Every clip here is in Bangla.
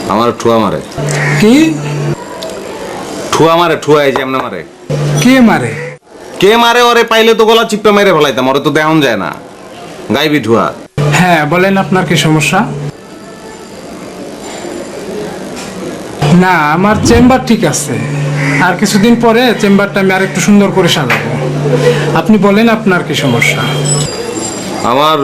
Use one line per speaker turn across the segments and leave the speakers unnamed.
আমার ঠুয়া মারে।
কি?
ঠুয়া মারে, ঠুয়া এই যে এমনে মারে।
কে মারে?
কে মারে? ওরে পাইলে তো গলা চিপটা মেরে ফেলাইতাম, ওরে তো দেখন যায় না। গাইবি ঠুয়া।
হ্যাঁ বলেন, আপনার কি সমস্যা? না, আমার চেম্বার ঠিক আছে, আর কিছুদিন পরে চেম্বারটা আমি আর একটু সুন্দর করে সাজাবো। আপনি বলেন আপনার কি সমস্যা?
আমার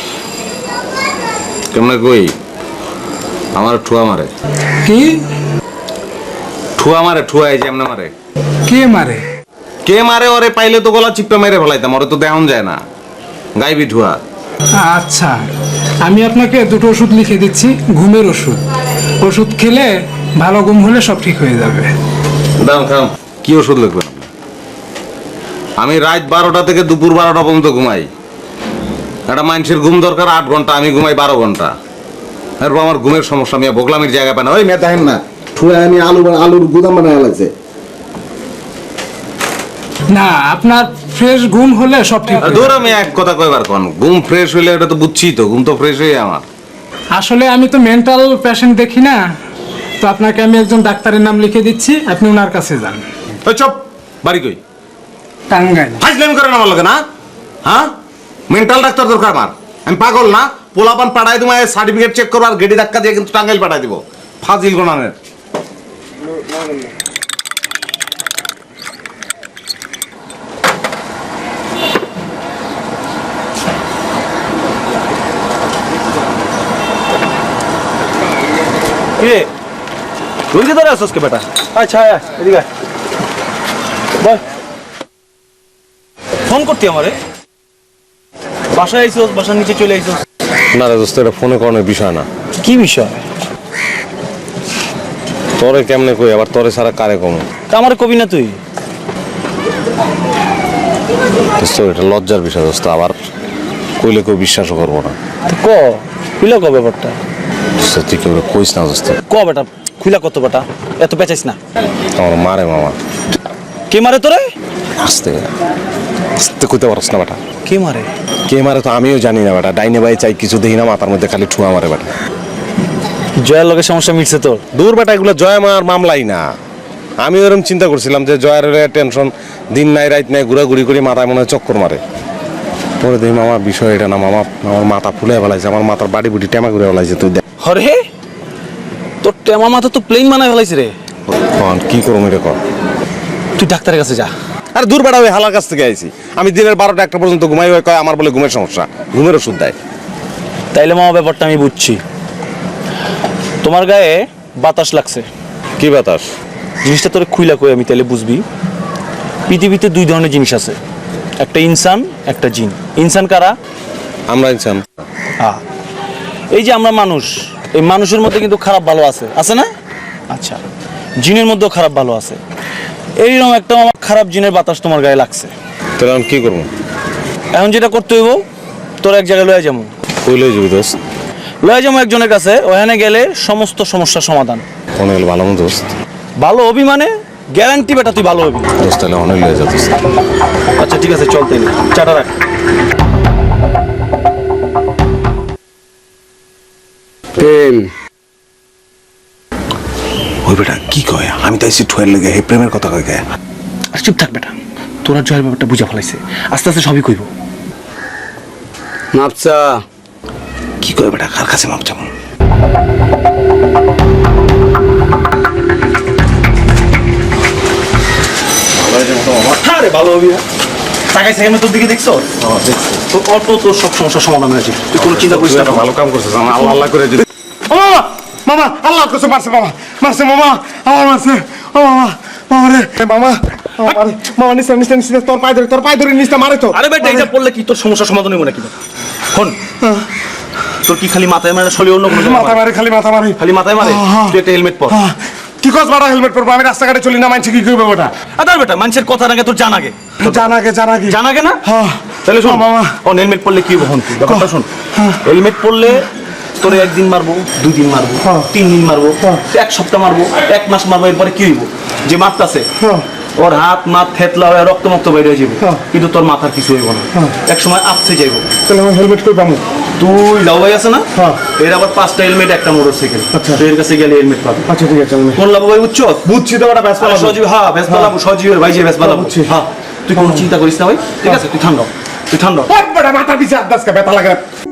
কেমনে কই, আমার ঠুয়া মারে।
কি?
ঠুয়া মারে, ঠুয়া এই যে এমনে মারে।
কে মারে?
কে মারে? ওরে পাইলে তো গলা চিপটা মেরে ফেলাইতাম, ওরে তো দেখন যায় না। গাইবি ঠুয়া।
আচ্ছা, আমি আপনাকে দুটো ওষুধ লিখে দিচ্ছি, ঘুমের ওষুধ। ওষুধ খেলে ভালো ঘুম হলে সব ঠিক হয়ে যাবে।
দাম খাম। কি ওষুধ লিখবেন? আমি রাত 12টা থেকে দুপুর 12টা পর্যন্ত ঘুমাই। একটা মানুষের ঘুম দরকার 8 ঘন্টা, আমি ঘুমাই 12 ঘন্টা। এরপর আমার ঘুমের সমস্যা, আমি বোগলামির জায়গা পাই না। ওই মেয়ে দেখেন না, ঠুয়া আমি আলুর গুদাম বানায় লাগছে।
না, আপনার ফ্রেশ ঘুম হলে সব ঠিক হয়ে
ধর
যাবে।
আমি এক কথা কইবার কোন, ঘুম ফ্রেশ হইলে এটা তো বুঝছি, তো ঘুম তো ফ্রেশ হয়ে আমার।
আসলে আমি তো মেন্টাল পেশেন্ট দেখি না, তো আপনাকে আমি একজন ডাক্তারের নাম লিখে দিচ্ছি, আপনি ওনার কাছে যান।
ওই চপ, বাড়ি কই?
টাঙ্গাইল।
ফাইজলামি করেন আমার লগে না? হ্যাঁ, মেন্টাল ডাক্তার দরকার আমার। আমি পাগল না? পোলাপান পাঠাই দিব, সার্টিফিকেট চেক করবো আর গেডি ধাক্কা দিয়ে কিন্তু টাঙ্গাইল পাঠাই দিব। ফাজিল গোনানের।
কে তুই যে ধরে আসছিস কে বেটা? আচ্ছা এদিকে আয়। বল, ফোন করতি আমারে? বাসায় আইসোস, বাসার নিচে চলে আইসোস?
না রে দোস্ত, এটা ফোনে করানোর বিষয় না।
কি বিষয়?
তোরে কেমনে কই, আবার তোরে সারা কারে কম?
তা আমারে কবি না তুই?
দোস্ত এটা লজ্জার বিষয় দোস্ত, আবার কইলে কেউ বিশ্বাসও করবো না।
ক খুলা ক ব্যাপারটা?
দোস্ত তুই কেউ কইস না দোস্ত।
ক বেটা, খুলা কত বেটা, এত পেঁচাইস না।
আমার মারে মামা।
কে মারে তোরে?
আস্তে আস্তে কইতে পারস না বেটা।
কে মারে?
কে মারে তো আমিও জানি না বেটা। ডাইনে বাই চাই কিছু দেখি না, মাথার মধ্যে খালি ঠুয়া মারে বেটা।
জয়ের লগে সমস্যা মিটছে তোর?
দূর বেটা, এগুলো জয় মার মামলাই না। আমি ওরকম চিন্তা করছিলাম যে জয়ের টেনশন, দিন নাই রাত নাই, ঘুরাঘুরি করে মাথায় মনে হয় চক্কর মারে। পরে দেখি মামা বিষয় এটা না মামা, আমার মাথা ফুলে ফেলাইছে, আমার মাথার বাড়ি বুড়ি টেমা ঘুরে ফেলাইছে। তুই দেখ
হরে, তোর টেমা মাথা তো প্লেন বানায় ফেলাইছে রে।
কি করবো এটা কর।
তুই ডাক্তারের কাছে যা।
আর দূর বেড়া, ওই হালার কাছ থেকে আইছি। আমি দিনের 12টা 1টা পর্যন্ত ঘুমাই, ওই কয় আমার বলে ঘুমের সমস্যা, ঘুমের ওষুধ দেয়।
তাইলে মামা ব্যাপারটা আমি বুঝছি। তোমার গায়ে বাতাস লাগছে।
কি বাতাস?
জিনিসটা তোরে খুইলা কই আমি তাহলে বুঝবি। পৃথিবীতে দুই ধরনের জিনিস আছে, একটা ইনসান, একটা জিন। ইনসান কারা?
আমরা ইনসান।
এই যে আমরা মানুষ, এই মানুষের মধ্যে কিন্তু খারাপ ভালো আছে, আছে না? আচ্ছা, জিনের মধ্যেও খারাপ ভালো আছে। এইরকম একটা আমার খারাপ জিনের বাতাস তোমার গায়ে লাগছে।
তাহলে আমি কি করবো?
এখন যেটা করতে হইব, তোর এক জায়গায় লয়ে যাবো।
কই লই যাবি দোস্ত?
লয়ে যাবো একজনের কাছে, ওখানে গেলে সমস্ত সমস্যার সমাধান।
ফোনে গেলে ভালো মতো দোস্ত।
ভালো হবি মানে গ্যারান্টি বেটা তুই ভালো হবি।
দোস্ত তাহলে অনেক লয়ে যা দোস্ত।
আচ্ছা ঠিক আছে, চল তাইলে চাটা রাখ।
প্রেম ওই বেটা কি কয়? আমি তো এসে ঠুয়ের লেগে প্রেমের কথা কয় গায়ে।
আর চুপ থাক বেটা, তোরা জয়ের ব্যাপারটা বুঝা ফেলাইছে, আস্তে আস্তে সবই কইব।
মাপচা
কি কয় বেটা? কার কাছে মাপ চাবো?
আরে ভালো হবি না, তাকাই সেখানে তোর দিকে দেখছো? তোর অল্প তোর সব সমস্যার সমাধান হয়েছে, তুই কোনো চিন্তা করিস না।
ভালো কাম করছিস, আমার আল্লাহ আল্লাহ করে যদি।
ও মামা, মামা আল্লাহ করছে, মারছে মামা, মারছে মামা, আমার মারছে। ও মামা, মামা রে, মামা, মামা নিচে নিচে নিচে, তোর পায়ে ধরে নিচে মারে তো।
আরে বেটা, এটা পড়লে কি তোর সমস্যার সমাধান হইব নাকি? শোন, তোর কি খালি মাথায় মারে, শরীর অন্য কোনো
মাথা মারে, খালি মাথা মারে,
খালি মাথায় মারে? তুই একটা হেলমেট পর।
কি কস বাড়া? হেলমেট পরবো? আমি রাস্তাঘাটে চলি না, মানছি কি করবে ওটা?
আরে বেটা, মানুষের কথা নাকি তোর জানাগে?
জানাগে
জানাগে না?
হ্যাঁ।
তাহলে শোন
মামা,
কোন হেলমেট পরলে কি হবো? তুই ব্যাপারটা শোন। হেলমেট পরলে তোরে একদিন মারবো, 2 দিন মারবো, 3 দিন মারবো, 1 সপ্তাহ মারবো, 1 মাস মারবো, এরপরে কি হইব? যে মারতাছে ওর হাত মাথ থেতলা হয়ে রক্ত মক্ত বের হয়ে যাবে, কিন্তু তোর মাথার কিছু হইব না, এক সময় আপসে যাইব।
তাহলে আমি হেলমেট করে পাবো?
তুই লাউ ভাই আছে না
হ্যাঁ।
এর আবার 5টা হেলমেট একটা মোটরসাইকেল
আচ্ছা।
তুই এর কাছে গেলে হেলমেট পাবি
আচ্ছা ঠিক আছে আমি
কোন লাভ ভাই বুঝছো
বুঝছি তো ওটা ব্যস্ত
সজীব হ্যাঁ ব্যস্ত লাভ সজীবের ভাই যে ব্যস্ত লাভ
বুঝছি।
হ্যাঁ তুই কোনো চিন্তা করিস না ভাই ঠিক আছে তুই ঠান্ডা তুই ঠান্ডা
বড় মাথা পিছে আদাস কা ব্যথা লাগে